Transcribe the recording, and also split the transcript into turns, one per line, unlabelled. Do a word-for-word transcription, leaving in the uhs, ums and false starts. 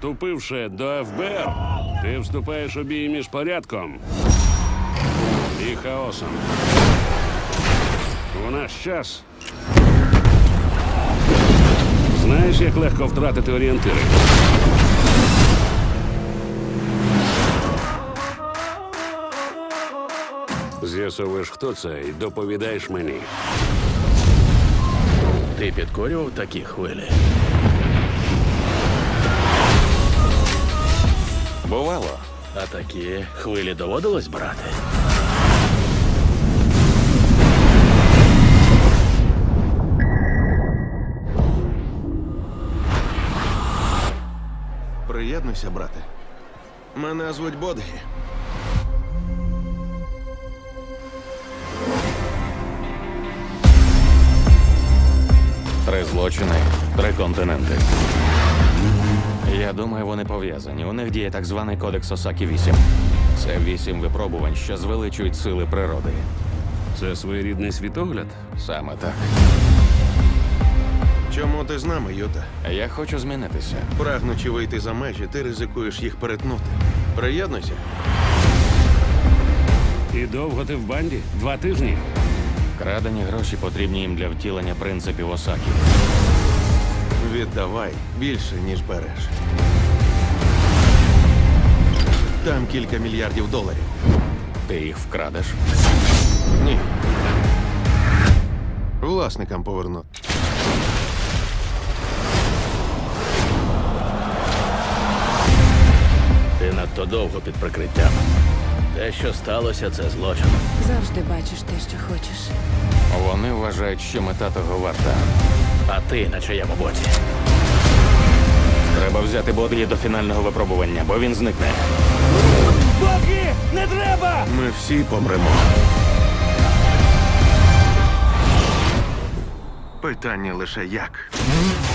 Вступивши до еф бе ер, ти вступаєш у бій між порядком і хаосом. У наш час знаєш, як легко втратити орієнтири. З'ясовуєш, хто це, і доповідаєш мені.
Ти підкорював такі хвилі?
Бувало.
А такі хвилі доводилось брати?
Приєднуйся, брате. Мене звуть Бодгі.
Три злочини, три континенти. Я думаю, вони пов'язані. У них діє так званий кодекс Осакі вісім. Це вісім випробувань, що звеличують сили природи.
Це своєрідний світогляд?
Саме так.
Чому ти з нами, Юта?
Я хочу змінитися.
Прагнучи вийти за межі, ти ризикуєш їх перетнути. Приєднуйся.
І довго ти в банді? Два тижні?
Крадені гроші потрібні їм для втілення принципів Осакі.
Віддавай більше, ніж береш. Там кілька мільярдів доларів.
Ти їх вкрадеш?
Ні. Власникам поверну.
Ти надто довго під прикриттям. Те, що сталося, це злочин.
Завжди бачиш те, що хочеш.
Вони вважають, що мета того варта.
А ти на чиєму боці?
Треба взяти Бодгі до фінального випробування, бо він зникне.
Ми всі помремо. Питання лише як.